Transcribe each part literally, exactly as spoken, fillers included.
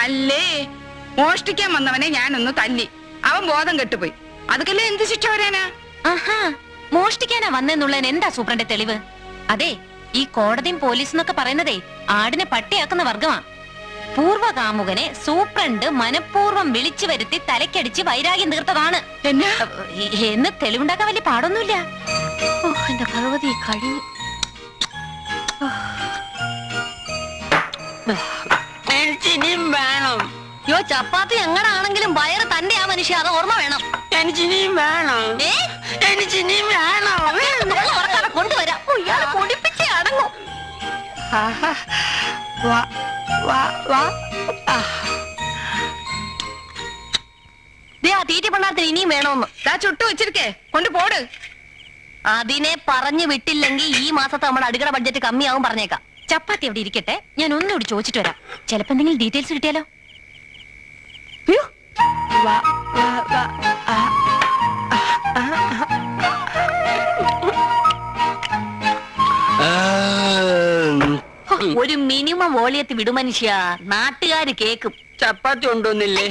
അല്ലേ മോഷ്ടിക്കാൻ വന്നവനെ ഞാനൊന്ന് തല്ലി, അവൻ ബോധം കെട്ടുപോയി. അതൊക്കെല്ലേ എന്ത് ശിക്ഷ വരാനാ? ആഹാ, മോഷ്ടിക്കാനാ വന്നെന്നുള്ളതിന് എന്താ സൂപ്രണ്ട് തെളിവ്? അതെ, ഈ കോടതിയും പോലീസ് എന്നൊക്കെ പറയുന്നതേ ആടിനെ പട്ടിയാക്കുന്ന വർഗമാ. പൂർവകാമുകനെ സൂപ്രണ്ട് മനഃപൂർവ്വം വിളിച്ചു വരുത്തി തലക്കടിച്ച് വൈരാഗ്യം തീർത്തതാണ് എന്ന് തെളിവുണ്ടാക്കാൻ വലിയ പാടൊന്നുമില്ല. എന്റെ ഭഗവതി കഴിഞ്ഞു. എനിക്കിനിയും വേണം. യോ ചപ്പാത്തി എങ്ങനാണെങ്കിലും വയറ് തന്റെ ആ മനുഷ്യ, അത് ഓർമ്മ വേണം. എനിക്കിനിയും വേണം. എനിക്കിനിയും വേണം. കൊണ്ടുവരാം. ഇയാളെ പൊടിപ്പിച്ചേ അടങ്ങും. തീറ്റ പണ്ടാത്തിന് ഇനിയും വേണോന്ന് ചുട്ടു വെച്ചിരിക്കേ, കൊണ്ട് പോട്. അതിനെ പറഞ്ഞു വിട്ടില്ലെങ്കിൽ ഈ മാസത്തെ നമ്മുടെ അടുക്കള ബഡ്ജറ്റ് കമ്മിയാവും പറഞ്ഞേക്കാം. ചപ്പാത്തി അവിടെ ഇരിക്കട്ടെ, ഞാൻ ഒന്നുകൂടി ചോദിച്ചിട്ട് വരാം. ചിലപ്പോ എന്തെങ്കിലും ഡീറ്റെയിൽസ് കിട്ടിയാലോ? ഒരു മിനിമം വോളിയത്തിൽ വിടു മനുഷ്യ, നാട്ടുകാര് കേക്കും. ചപ്പാത്തി ഉണ്ടോന്നില്ലേ?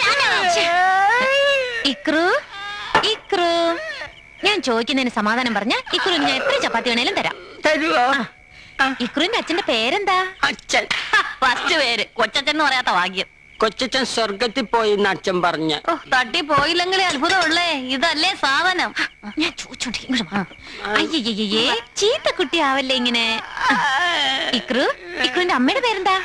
ഇക്രു ഇക്രു ഞാൻ ചോദിക്കുന്നതിന് സമാധാനം പറഞ്ഞ ഇക്രു ഞാൻ എത്ര ചപ്പാത്തി വേണേലും തരാം. തരുവോ? ഇക്രുവിന്റെ അച്ഛന്റെ പേരെന്താ? അച്ഛൻ. ഫസ്റ്റ് പേര് കൊച്ചച്ഛൻ എന്ന് പറയാത്ത ഭാഗ്യം. കൊച്ചച്ഛൻ സ്വർഗത്തിൽ പോയി എന്ന് അച്ഛൻ പറഞ്ഞ. ഓ, തട്ടി പോയില്ലെങ്കിലേ അത്ഭുതമുള്ളേ. ഇതല്ലേ സാധനം? ഞാൻ ചോദിച്ചോണ്ടിരിക്കും. അയ്യേ, ചീത്ത കുട്ടി ആവല്ലേ ഇങ്ങനെ. ഇക്രു ഇക്രുവിന്റെ അമ്മയുടെ പേരെന്താ?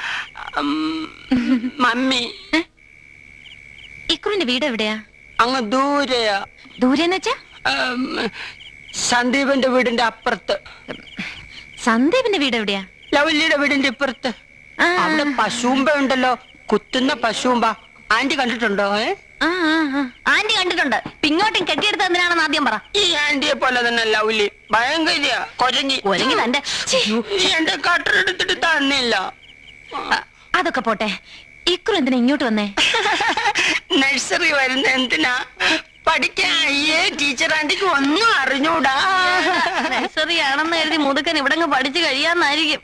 മമ്മി. ഇക്രുവിന്റെ വീട് എവിടെയാ? അങ്ങ് ദൂരെയാ. ദൂരെന്ന് വെച്ചാ? സന്ദീപിന്റെ വീടിന്റെ അപ്പുറത്ത്. സന്ദീപിന്റെ വീട് എവിടെയാ? ലവല്ലിയുടെ വീടിന്റെ ഇപ്പുറത്ത്. അവിടെ പശുമ്പ ഉണ്ടല്ലോ, കുത്തുന്ന പശുമ്പ. ആന്റി കണ്ടിട്ടുണ്ടോ? ആന്റി കണ്ടിട്ടുണ്ട്. പിങ്ങോട്ടും കെട്ടിയെടുത്ത് എന്തിനാണെന്ന് ആദ്യം പറ. ഈ ആന്റിയെ പോലെ തന്നെ ലവ്ലി ഭയങ്കര കൊരങ്ങി. കൊരങ്ങി തന്റെ എന്റെ കട്ടറെടുത്തിട്ട് തന്നില്ല. അതൊക്കെ പോട്ടെ, ഇക്രു എന്തിനാ ഇങ്ങോട്ട് വന്നേ? നഴ്സറി വരുന്ന എന്തിനാ? പഠിക്കാൻ. അയ്യേ, ടീച്ചർ ആന്റിക്ക് ഒന്നും അറിഞ്ഞൂടാ. നഴ്സറി ആണെന്ന് കരുതി മുതുക്കൻ ഇവിടെ പഠിച്ചു കഴിയാന്നായിരിക്കും.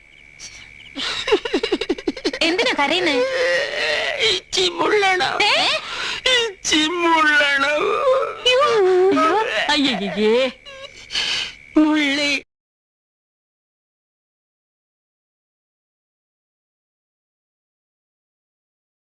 എന്തിനാ കരയുന്നേ? ചിമുള്ളണം. ചിമുള്ളണം. അയ്യേ, മുള്ളി.